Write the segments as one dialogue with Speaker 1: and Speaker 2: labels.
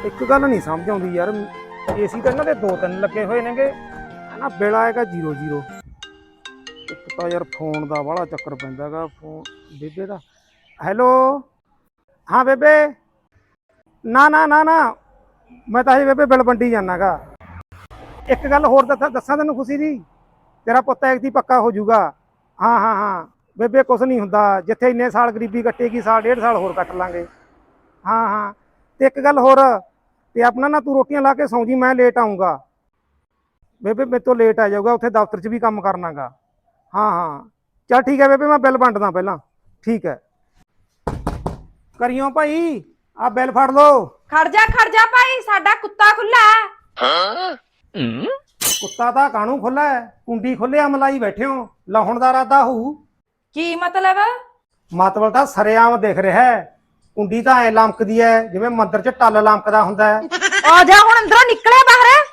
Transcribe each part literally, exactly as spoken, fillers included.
Speaker 1: ਇੱਕ ਗੱਲ ਨਹੀਂ ਸਮਝ ਆਉਂਦੀ ਯਾਰ, ਏਸੀ ਤਾਂ ਇਹਨਾਂ ਦੇ ਦੋ ਤਿੰਨ ਲੱਗੇ ਹੋਏ ਨੇਗੇ, ਨਾ ਬਿੱਲ ਆਏਗਾ ਜ਼ੀਰੋ ਜ਼ੀਰੋ। ਇੱਕ ਤਾਂ ਯਾਰ ਫੋਨ ਦਾ ਬੜਾ ਚੱਕਰ ਪੈਂਦਾ ਗਾ, ਫੋਨ ਬੇਬੇ ਦਾ। ਹੈਲੋ, ਹਾਂ ਬੇਬੇ। ਨਾ ਨਾ ਨਾ ਨਾ, ਮੈਂ ਤਾਂ ਹਜੇ ਬੇਬੇ ਬਿੱਲ ਵੰਡੀ ਜਾਂਦਾ ਗਾ। ਇੱਕ ਗੱਲ ਹੋਰ ਦੱਸਾਂ ਦੱਸਾਂ ਤੈਨੂੰ ਖੁਸ਼ੀ ਦੀ, ਤੇਰਾ ਪੁੱਤ ਐਤਕੀ ਪੱਕਾ ਹੋ ਜਾਊਗਾ। ਹਾਂ ਹਾਂ ਹਾਂ ਬੇਬੇ, ਕੁਛ ਨਹੀਂ ਹੁੰਦਾ, ਜਿੱਥੇ ਇੰਨੇ ਸਾਲ ਗਰੀਬੀ ਕੱਟੇਗੀ ਸਾਲ ਡੇਢ ਸਾਲ ਹੋਰ ਕੱਟ ਲਾਂਗੇ। ਹਾਂ ਹਾਂ, ਤੇ ਇੱਕ ਗੱਲ ਹੋਰ, ਤੇ ਆਪਣਾ ਨਾ ਤੂੰ ਰੋਟੀਆਂ ਲਾ ਕੇ ਸੌਂ ਜੀ, ਮੈਂ ਲੇਟ ਆਊਂਗਾ। ਬੇਬੇ ਮੇਰੇ ਤੋਂ ਲੇਟ ਆ ਜਾਊਗਾ, ਉੱਥੇ ਦਫ਼ਤਰ 'ਚ ਵੀ ਕੰਮ ਕਰਨਾ ਗਾ। ਹਾਂ ਹਾਂ ਚੱਲ ਠੀਕ ਹੈ ਬੇਬੇ, ਮੈਂ ਬਿੱਲ ਵੰਡਦਾ ਪਹਿਲਾਂ। ਠੀਕ ਹੈ, ਕਰਿਓ ਭਾਈ, ਆਹ ਬਿੱਲ ਫੜ ਲਓ।
Speaker 2: ਖੜ ਜਾ ਖੜ ਜਾ ਭਾਈ, ਸਾਡਾ ਕੁੱਤਾ ਖੁੱਲਾ ਹੈ।
Speaker 1: ਕੁੱਤਾ ਤਾਂ ਕਾਹਨੂੰ ਖੁੱਲਾ ਹੈ, ਕੁੰਡੀ ਖੁੱਲਿਆ ਮਲਾਈ ਬੈਠੇ ਹੋ, ਲਾਹੁਣ ਦਾ ਇਰਾਦਾ ਹੋਊ।
Speaker 2: ਕੀ ਮਤਲਬ?
Speaker 1: ਮਤਲਬ ਤਾਂ ਸਰੇਆਮ ਦਿਖ ਰਿਹਾ ਹੈ, ਕੁੰਡੀ ਤਾਂ ਐ ਲਮਕਦੀ ਹੈ ਜਿਵੇਂ ਮੰਦਰ 'ਚ ਟੱਲ ਲਮਕਦਾ ਹੁੰਦਾ ਹੈ।
Speaker 2: ਆ ਜਾ ਹੁਣ ਅੰਦਰੋਂ ਨਿਕਲੇ ਬਾਹਰ।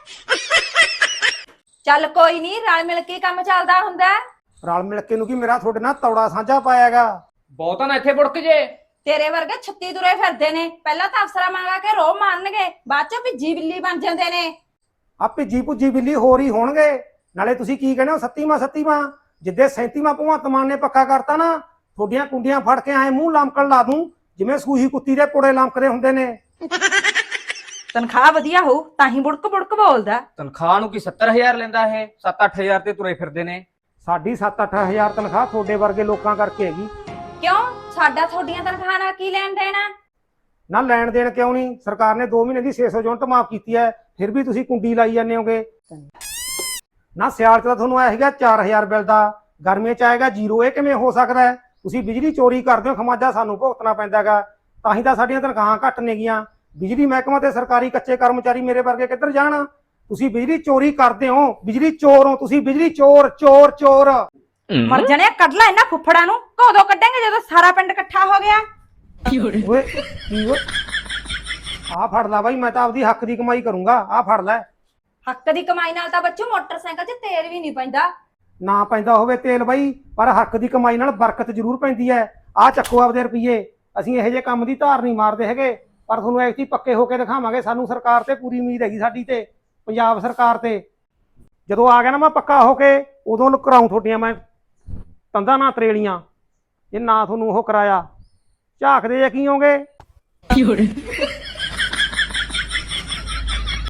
Speaker 2: ਚੱਲ ਕੋਈ ਨਹੀਂ, ਰਲ ਮਿਲ ਕੇ ਕੰਮ ਚੱਲਦਾ ਹੁੰਦਾ।
Speaker 1: ਰਲ ਮਿਲ ਕੇ ਨੂੰ ਕੀ, ਮੇਰਾ ਤੁਹਾਡੇ ਨਾਲ ਤੌੜਾ ਸਾਂਝਾ ਪਾਇਆਗਾ।
Speaker 3: ਬਹੁਤਾ ਨਾ ਇੱਥੇ ਬੁੜਕ ਜੇ।
Speaker 2: ਤੇਰੇ ਵਰਗੇ ਛੱਤੀ ਤੁਰੇ ਫਿਰਦੇ ਨੇ, ਪਹਿਲਾਂ ਤਾਂ ਅਫਸਰਾਂ ਮੰਗਾ ਕੇ ਰੋਹ ਮਾਰਨਗੇ, ਬਾਅਦ ਚੋਂ ਭਿੱਜੀ ਬਿੱਲੀ ਬਣ ਜਾਂਦੇ ਨੇ।
Speaker 1: ਆ ਭਿੱਜੀ ਭੁੱਜੀ ਬਿੱਲੀ ਹੋਰ ਹੀ ਹੋਣਗੇ। ਨਾਲੇ ਤੁਸੀਂ ਕੀ ਕਹਿੰਦੇ ਹੋ ਸੱਤੀਵਾਂ ਸੱਤੀਵਾਂ, ਜਿੱਦੇ ਸੈਂਤੀਵਾਂ ਭਗਵੰਤ ਮਾਨ ਨੇ ਪੱਕਾ ਕਰਤਾ ਨਾ, ਤੁਹਾਡੀਆਂ ਕੁੰਡੀਆਂ ਫੜ ਕੇ ਐ ਮੂੰਹ ਲਮਕਣ ਲਾ ਦੂੰ ਜਿਵੇਂ ਸੂਹੀ ਕੁੱਤੀ ਦੇ ਪੁੜੇ ਲਮਕਦੇ ਹੁੰਦੇ ਨੇ।
Speaker 2: ਤਨਖਾਹ ਵਧੀਆ ਹੋ ਤਾਂ ਹੀ ਬੁੜਕ ਬੁੜਕ ਬੋਲਦਾ।
Speaker 3: ਤਨਖਾਹ ਨੂੰ ਕੀ ਸੱਤਰ ਹਜ਼ਾਰ ਲੈਂਦਾ ਇਹ? ਸੱਤ ਅੱਠ ਹਜ਼ਾਰ ਤੇ ਤੁਰੇ ਫਿਰਦੇ ਨੇ।
Speaker 1: ਸਾਡੀ ਸੱਤ ਅੱਠ ਹਜ਼ਾਰ ਤਨਖਾਹ ਤੁਹਾਡੇ ਵਰਗੇ ਲੋਕਾਂ ਕਰਕੇ ਹੈਗੀ।
Speaker 2: ਕਿਉਂ, ਸਾਡਾ ਤੁਹਾਡੀਆਂ ਤਨਖਾਹ ਨਾਲ ਕੀ ਲੈਣ ਦੇਣਾ?
Speaker 1: ਨਾ ਲੈਣ ਦੇਣ ਕਿਉਂ ਨਹੀਂ, ਸਰਕਾਰ ਨੇ ਦੋ ਮਹੀਨੇ ਦੀ ਛੇ ਸੌ ਯੂਨਿਟ ਮਾਫ ਕੀਤੀ ਹੈ, ਫਿਰ ਵੀ ਤੁਸੀਂ ਕੁੰਡੀ ਲਾਈ ਜਾਂਦੇ ਹੋਗੇ। ਨਾ ਸਿਆਲ 'ਚ ਤਾਂ ਤੁਹਾਨੂੰ ਇਹ ਹੈਗਾ ਚਾਰ ਹਜ਼ਾਰ ਬਿੱਲ ਦਾ, ਗਰਮੀਆਂ 'ਚ ਆਏਗਾ ਜ਼ੀਰੋ। ਇਹ ਕਿਵੇਂ ਹੋ ਸਕਦਾ ਹੈ? ਤੁਸੀਂ ਬਿਜਲੀ ਚੋਰੀ ਕਰਦੇ ਹੋ, ਖਮਾਜਾ ਸਾਨੂੰ ਭੁਗਤਣਾ ਪੈਂਦਾ ਹੈਗਾ, ਤਾਂ ਹੀ ਤਾਂ ਸਾਡੀਆਂ ਤਨਖਾਹਾਂ ਘੱਟ ਨੇਗੀਆਂ। ਬਿਜਲੀ ਮਹਿਕਮਾ ਤੇ ਸਰਕਾਰੀ ਕੱਚੇ ਕਰਮਚਾਰੀ ਮੇਰੇ ਵਰਗੇ ਕਿੱਧਰ ਜਾਣ? ਤੁਸੀਂ ਬਿਜਲੀ ਚੋਰੀ ਕਰਦੇ ਹੋ, ਬਿਜਲੀ ਚੋਰ ਹੋ ਤੁਸੀਂ, ਬਿਜਲੀ ਚੋਰ ਚੋਰ ਚੋਰ।
Speaker 2: ਮਰ ਜਾਣੇ, ਕੱਢ ਲੈ ਇਹਨਾਂ ਫੁੱਫੜਾਂ ਨੂੰ। ਕਦੋਂ ਕੱਢਾਂਗੇ, ਜਦੋਂ ਸਾਰਾ ਪਿੰਡ ਇਕੱਠਾ ਹੋ ਗਿਆ।
Speaker 1: ਓਏ ਕੀ ਓਏ, ਆਹ ਫੜ ਲੈ ਬਾਈ, ਮੈਂ ਤਾਂ ਆਪਦੀ ਹੱਕ ਦੀ ਕਮਾਈ ਕਰੂੰਗਾ, ਆਹ ਫੜ ਲੈ।
Speaker 2: ਹੱਕ ਦੀ ਕਮਾਈ ਨਾਲ ਤਾਂ ਬੱਚੂ ਮੋਟਰਸਾਈਕਲ 'ਚ ਤੇਲ ਵੀ ਨਹੀਂ ਪੈਂਦਾ।
Speaker 1: ਨਾ ਪੈਂਦਾ ਹੋਵੇ ਤੇਲ ਬਾਈ, ਪਰ ਹੱਕ ਦੀ ਕਮਾਈ ਨਾਲ ਬਰਕਤ ਜ਼ਰੂਰ ਪੈਂਦੀ ਹੈ। ਆਹ ਚੱਕੋ ਆਪਦੇ ਰੁਪਈਏ, ਅਸੀਂ ਇਹੋ ਜਿਹੇ ਕੰਮ ਦੀ ਧਾਰ ਨਹੀਂ ਮਾਰਦੇ ਹੈਗੇ, ਪਰ ਤੁਹਾਨੂੰ ਐਸੀ ਪੱਕੇ ਹੋ ਕੇ ਦਿਖਾਵਾਂਗੇ। ਸਾਨੂੰ ਸਰਕਾਰ ਤੇ ਪੂਰੀ ਉਮੀਦ ਹੈਗੀ, ਸਾਡੀ ਤੇ ਪੰਜਾਬ ਸਰਕਾਰ ਤੇ। ਜਦੋਂ ਆ ਗਿਆ ਨਾ ਮੈਂ ਪੱਕਾ ਹੋ ਕੇ, ਉਦੋਂ ਕਰਾਊਂ ਤੁਹਾਡੀਆਂ ਮੈਂ ਤੰਦਾਂ ਨਾ ਤਰੇਲੀਆਂ, ਜੇ ਨਾ ਤੁਹਾਨੂੰ ਉਹ ਕਰਾਇਆ। ਝਾਕਦੇ ਜੇ ਕੀ ਹੋਗੇ।